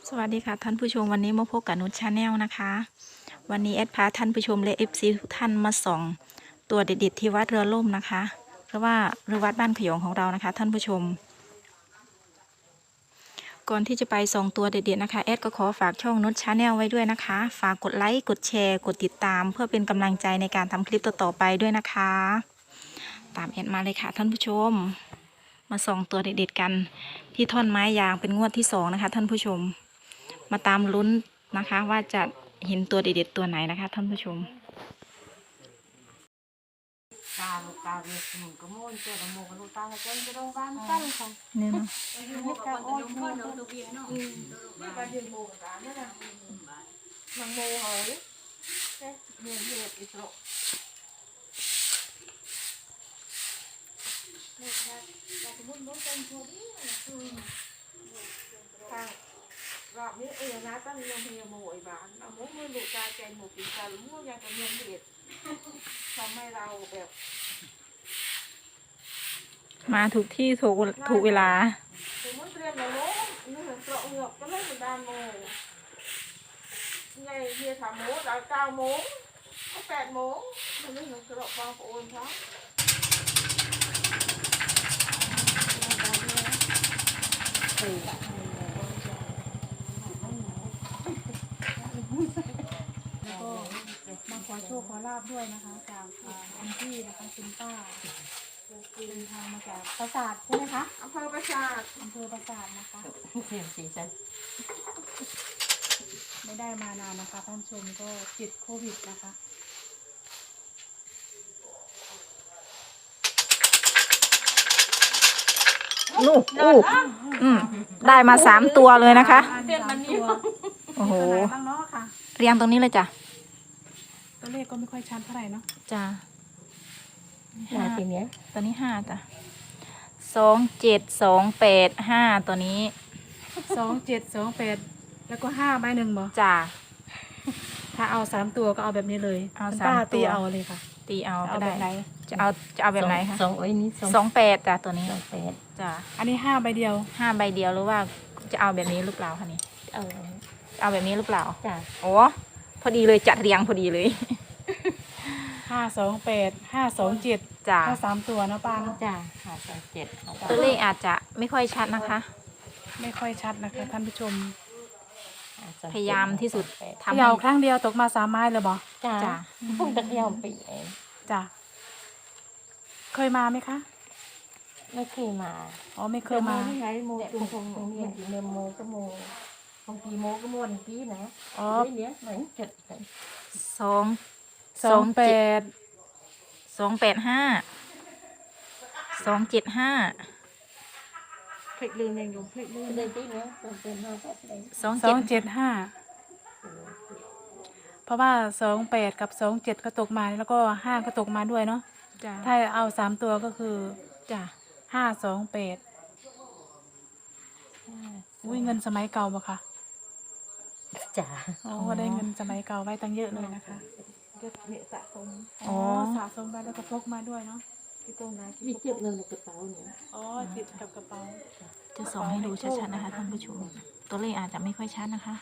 สวัสดีค่ะท่านผู้ชมวันนี้มาพบกับนุชชาแนลนะคะวันนี้แอดพาท่านผู้ชมและFCทุกท่านมาส่องตัวเด็ดๆที่วัดเรือล่มนะคะเพราะว่าเรือวัดบ้านขยงของเรานะคะท่านผู้ชมก่อนที่จะไปส่องตัวเด็ดๆนะคะแอดก็ขอฝากช่องนุชชาแนลไว้ด้วยนะคะฝากกดไลค์กดแชร์กดติดตามเพื่อเป็นกำลังใจในการทำคลิปต่อๆไปด้วยนะคะตามแอดมาเลยค่ะท่านผู้ชมมาส่องตัวเด็ดๆกันที่ท่อนไม้ยางเป็นงวดที่2นะคะท่านผู้ชมมาตามลุ้นนะคะว่าจะเห็นตัวเด็ดๆตัวไหนนะคะท่านผู้ชมกาลูกกาเรียกหนุ่มกระโมนเจอละโมกลูกตาละเจนจะโรงพยาบาลกันค่ะนี่เนาะนี่กาโอ้ยโมกตัวเบียเนาะนี่กาเดียนโมกกันนี่นะมันโมเหรอเนี่ยเมียเมียอีกโลนี่ค่ะแต่สมมติน้องเป็นคนนี้ทางรอบนี้นะตั้งเมียโมอีบ้านเอาโมมือลูกตาใจหมูปีกาหรือมูยังกับเมียเด็ดทำให้เราแบบมาถูกที่ถูกเวลาถึงมันเรียนแล้วเนาะนี่เห็นเปราะเหงือกก็เล่นเหมือนดานโมไงเฮียถามโมเรา9 โมงก็8 โมงมันไม่เห็นเปราะบางปอนเขาแล้วก็มาขอโชคขอลาบด้วยนะคะจากคุณพี่นะคะคุณป้าเดินทางมาจากปราสาทใช่ไหมคะอำเภอประสาทอำเภอปราสาทนะคะเสียงสีฉันไม่ได้มานานนะคะท่านผู้ชมก็ติดโควิดนะคะนู่ได้มา3 ตัวเลยนะคะเส้นมันนิ้วโอ้โหตัวไหนบ้างเนาะค่ะเรียงตรงนี้เลยจ้ะตัวเลขก็ไม่ค่อยชัดเท่าไหร่เนาะจ้ะมาทีเนี้ยตัวนี้5จ้ะ2728 5ตัวนี้ 2728แล้วก็5 ใบ 1บ่จ้ะถ้าเอา3 ตัวก็เอาแบบนี้เลยเอาคุณสามป้าตัวตีเอาเลยค่ะตีเอาเอาก็แบได้บไหนจะเอาแบบไหนคะสองไอ้นี้สอง 28จ้ะตัวนี้ 8 จ้ะอันนี้5 ใบเดียว 5 ใบเดียวหรือว่าจะเอาแบบนี้หรือเปล่าคะนี่เออเอาแบบนี้หรือเปล่าจ้ะโอ้พอดีเลยจัดเรียงพอดีเลย 528 527 จ้ะถ้า3 ตัวเนาะป้าเนาะจ้ะ527 ตัวเลขอาจจะไม่ค่อยชัดนะคะไม่ค่อยชัดนะคะท่านผู้ชมพยายามที่สุดเขทำให้ย่าครั้งเดียวตกมา3 ไม้เลยบ่จ้ะจ้ะพวกตะเกียบปีเองจ้ะเคยมาไหมคะไม่เคยมาอ๋อไม่เคยมาไงโมจุงคงเนี่ยเมโมก็โมบางทีโมก็โมบางทีนะอ๋อเนี้ยไหนจัดสอง 28 275 พลิกลืมยังอยู่พลิกลืมเลยที่เนี้ยเป็น5แบบเลย 275เพราะว่า28กับ27ก็ตกมาแล้วก็5ก็ตกมาด้วยเนาะจ้ะถ้าเอา3 ตัวก็คือจ้ะ 528อุ้ยเงินสมัยเก่าบ่คะจ้ะอ๋อได้เงินสมัยเก่าไว้ตั้งเยอะเลยนะคะก็เนี่ยสะสมอ๋อสะสมไว้แล้วก็พกมาด้วยเนาะที่ตรงนั้นมีเก็บเงินในกระเป๋าเนี่ยอ๋อติดกับกระเป๋าจะส่องให้ดูชัดๆนะคะท่านผู้ชม ตัวเลขอาจจะไม่ค่อยชัดนะคะ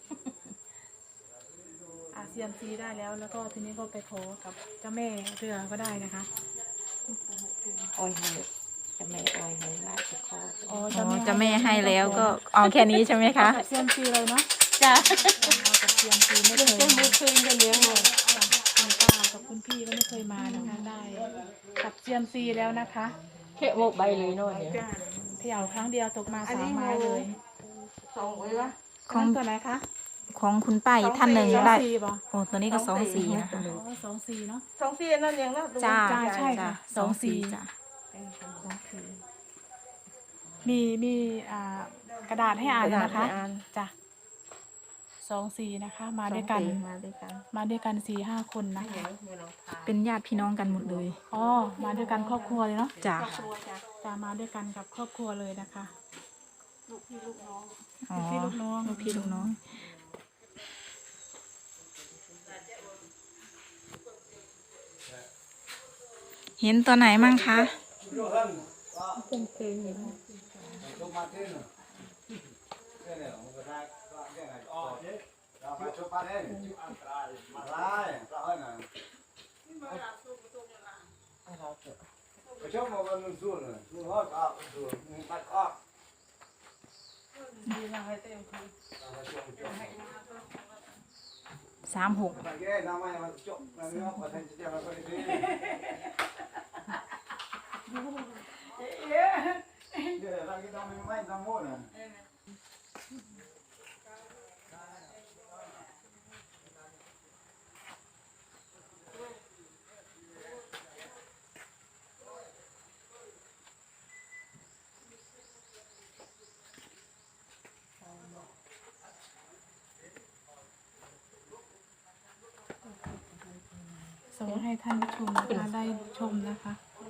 เซียมซีได้แล้วแล้วก็ทีนี้ก็ไปขอกับเจ้าแม่เรือก็ได้นะคะออยให้จะไม่ออยให้ลาจะคออ๋ออ๋อจะไม่ให้แล้วก็เอาแค่นี้ใช่ไหมคะกับเซียมซีเลยเนาะจ้ะเอากับเซียมซีไม่เคเรื่องยเจ้ามือคืนกันเลี้ยงหมดคุณป้ากับคุณพี่ก็ไม่เคยมานะคะได้กับเซียมซีแล้วนะคะแค่โมกใบเลยเนาะเนี่ยเขย่าครั้งเดียวตกมา3 ไม้เลยสองไว้วะของตัวไหนคะของคุณป้าอีกท่านหนึ่งสองได้สี่ป่ะโอ้ตัวนี้ก็24นะคะอ๋อ24เนาะ 24นั่นยังนะจ้าใช่ค่ะจ้ะ 24 จ้ะมีกระดาษให้อ่านนะคะจ้ะ24นะคะ มาด้วยกันมาด้วยกันมาด้วยกัน4-5 คนนะคะเป็นญาติพี่น้องกันหมดเลยอ๋อมาด้วยกันครอบครัวเลยเนาะจ้ะจะมาด้วยกันกับครอบครัวเลยนะคะอ๋อพี่ลูกน้องลูกพี่ลูกน้อง เห็นตัวไหนมั่งคะเป็นคืนอย่างนี้ 36 ส่งให้ท่านผู้ชมนะคะได้ชมนะคะ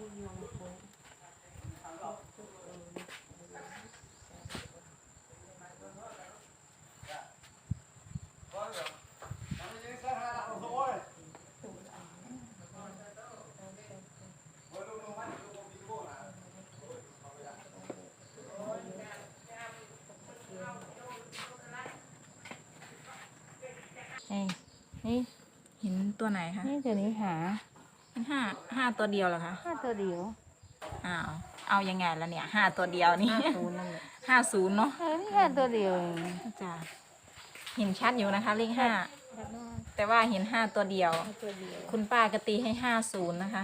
นี่เห็นตัวไหนคะนี่เดี๋ยวนี้หาเห็นห้าตัวเดียวเหรอคะ 5ตัวเดียวเอายังไงแล้วเนี่ย5ตัวเดียวนี่ 50นั่นแหละ 50เนาะนี่5ตัวเดียวเองจ้ะเห็นชัดอยู่นะคะเลข5แต่ว่าเห็น5ตัวเดียว 5ตัวเดียวคุณป้ากตีให้50นะคะ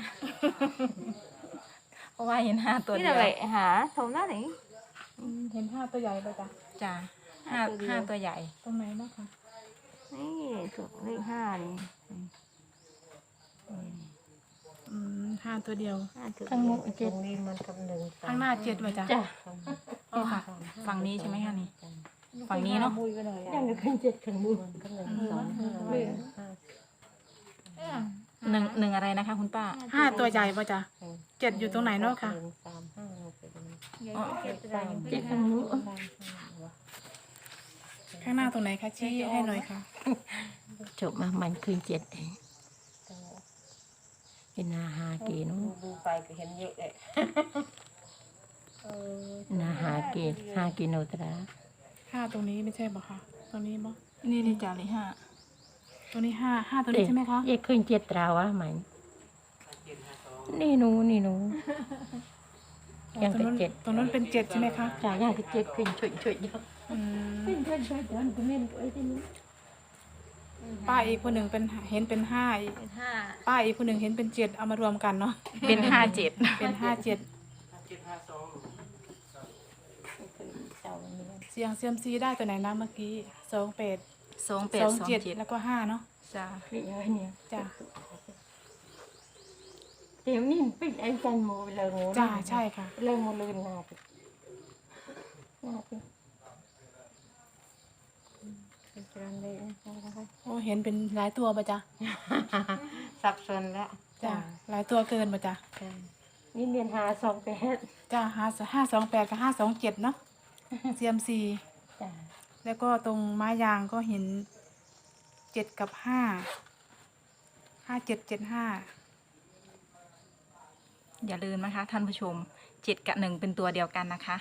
เพราะว่าเห็น5ตัวนี่เดียวอะไรหาโถมหน้าไหนเห็น5ตัวใหญ่เลยจ้ะจ้ะห้าตัวเดียวห้าตัวใหญ่ตรงไหนเนาะคะนี่ถูกเลข5นี่ 5ตัวเดียว 5ตัวข้างเดีมุยวก7 นี้มันกับ1 ข้างหน้า7เลยจ้ะจ้ะอ๋อค่ะ ฝั่งนี้ใช่ไหมคะนี่ ฝั่งนี้เนาะมุยไปหน่อยยังขึ้น7ข้างบนกับ1 2 หนึ่งอะไรนะคะ คุณป้า 5ตัวใหญ่ป่ะจ้ะ7อยู่ตรงไหนเนาะค่ะอ๋อ 7ข้างนู้นข้างหน้าตรงไหนคะชี้ให้หน่อยค่ะจบมามันคืน7เองเป็นนาหาเกณฑ์ดูไปก็เห็นเยอะเลยนาหาเกณฑ์5กิโลตรา 5ตรงนี้ไม่ใช่ป่ะคะตรงนี้ป่ะนี่นี่จ้ะเลข5 ตัวนี้5ตัวนี้ใช่ไหมคะเย่คืน7ตราวะมันนี่หนูยังตรเป็งนนู้น 7 ตรงนู้นเป็น7ใช่ไหมคะจ่ายยังเป็น7คืนช่วยๆเยอะอืมช่วยๆเดินก็เล่นตัวไอ้ที่นี่ป้าอีกคนหนึ่งเป็นเห็นเป็น5อีกเป็นป้าอีกคนหนึ่งเห็นเป็น7เอามารวมกันเนาะเป็น57 เป็น5 7 5เจ้านี่เสียงเซียมซีได้ตัวไหนนะเมื่อกี้28 28 27แล้วก็5เนาะจ้ะพี่เอ้ยเนี่ยจ้ะเดี๋ยวนี้ปิดไอ้จันโมไปเลยโง่จ้าใช่ค่ะเลยโมลืนนาไปเป็นจานเลยนะคะโอ้เห็นเป็นหลายตัวป่ะจ๊ะสับสนแล้วจ้ะหลายตัวเกินป่ะจ๊ะนี่เรียนหา28 จ้ะ528กับ527เนาะเซียมซีจ้าแล้วก็ตรงไม้ยางก็เห็น7กับ5 5775 อย่าลืมนะคะ ท่านผู้ชม7กับ1เป็นตัวเดียวกันนะคะ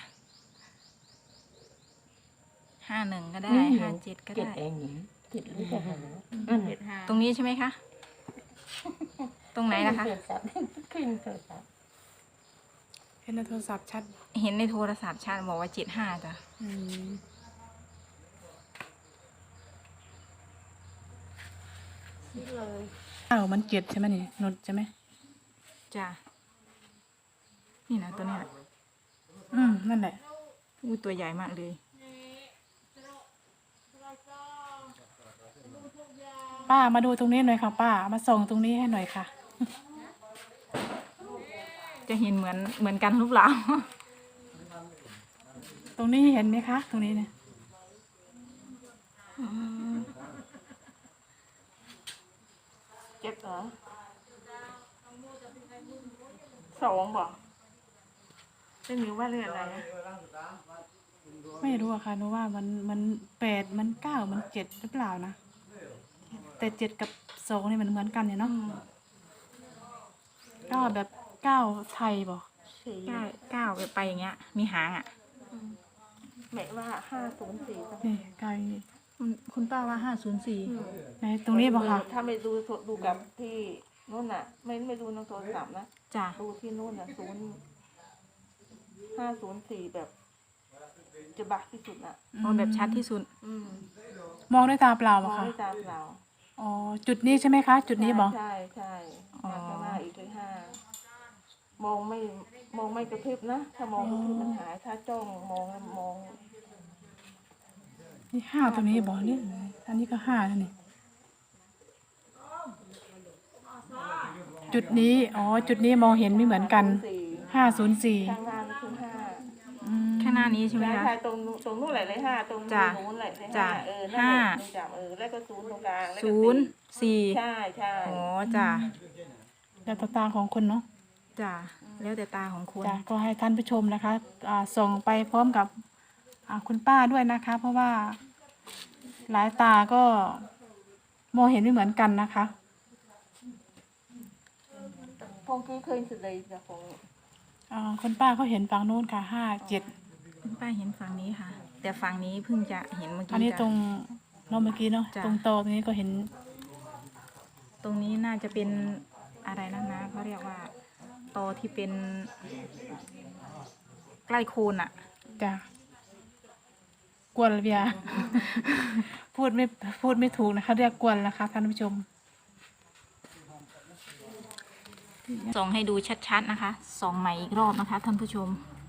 51ก็ได้57ก็เจ็ดได้เองนี่เจ็ดหรือจะหาตรงนี้ใช่ไหมคะ ตรงไหนนะคะโทรศัพท์ขึ้นโทรศัพท์เห็นในโทรศัพท์ชัดเห็นในโทรศัพท์ชาติบอกว่า75จ้ะอืมนี่เลยมัน7ใช่ไหมนี่นุชใช่ไหมจ้ะนี่นะตัวเนี้ยนั่นแหละอู้ตัวใหญ่มากเลยป้ามาดูตรงนี้หน่อยค่ะป้ามาส่องตรงนี้ให้หน่อยค่ะจะเห็นเหมือนกันหรือเปล่าตรงนี้เห็นไหมคะ ตรงนี้เนี่ยเจ็บเหรอ2บอกจะมีว่าเรื่องอะไรนะไม่รู้อะค่ะหนูว่ามัน8มัน9มัน7หรือเปล่านะแต่7กับ2นี่มันเหมือนกันเนี่ยเนาะก็แบบ9ไทยบอกก้าวไปอย่างเงี้ย มีหางอ่ะแม่ว่า504 นี่ไกลคุณป้าป้าว่า504 ในตรงนี้บ่ค่ะถ้าไม่ดูกับที่นู่นน่ะ ไม่ดูในโทรศัพท์นะจ้ะดูที่นู่นน่ะ504แบบจะบักที่สุดน่ะเอาแบบชัดที่สุดอืมมองด้วยตาเปล่าม บ่องค่ะด้วยตาเปล่าอ๋อจุดนี้ใช่ไหมคะ จุดนี้บ่ใช่ใช่อ๋อข้างหน้าอีกเลย5มองไม่กระพริบนะ ถ้ามองกระพริบมันหาย ถ้าจ้องมองแล้วมองนี่5ตรงนี้บ่นี่อันนี้ก็5แล้วนี่จุดนี้อ๋อจุดนี้มองเห็นไม่เหมือนกันข้าง 504 หน้านี่คือ5 อืมแค่หน้านี้ใช่ไหมคะใช่ตรงนู้นแหละเลย5ตรงจ้ะนู้นแหละเลยจ้ะ 5นั่นแหละห้ามึงจับแล้วก็ศูนย์ตรงกลางแล้วก็ศูนย์สี่ใช่ใช่อ๋อจ้ะแล้วแต่ตาของคนเนาะจ้ะแล้วแต่ตาของคนจ้ะก็ให้ท่านผู้ชมนะคะส่งไปพร้อมกับคุณป้าด้วยนะคะ เพราะว่าหลายตาก็มองเห็นไม่เหมือนกันนะคะพงกี้เคยสุดเลยจ้ะพงคุณป้าเขาเห็นฝั่งนู้นค่ะ57 ป้าเห็นฝั่งนี้ค่ะ แต่ฝั่งนี้เพิ่งจะเห็นเมื่อกี้อันนี้จ้ะตรงเราเมื่อกี้เนาะจ้ะตรงโตตรงนี้ก็เห็นตรงนี้น่าจะเป็นอะไรนะเขาเรียกว่าตอที่เป็นใกล้โคนอ่ะจ้ะกวนเบีย พูดไม่ถูกนะคะ เรียกกวนนะคะท่านผู้ชมส่องให้ดูชัดๆนะคะ ส่องใหม่อีกรอบนะคะท่านผู้ชม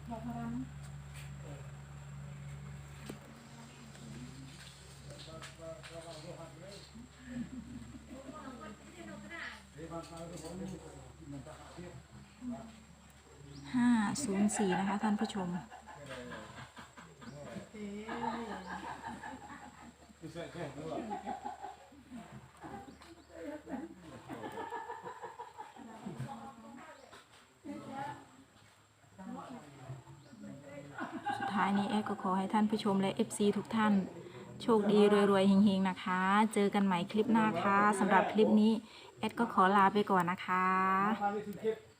504นะคะท่านผู้ชม สุดท้ายนี้เอ๊ก็ขอให้ท่านผู้ชมและ FC ทุกท่าน โชคดีรวยๆเฮงๆนะคะ เจอกันใหม่คลิปหน้าค่ะสำหรับคลิปนี้เอดก็ขอลาไปก่อนนะคะ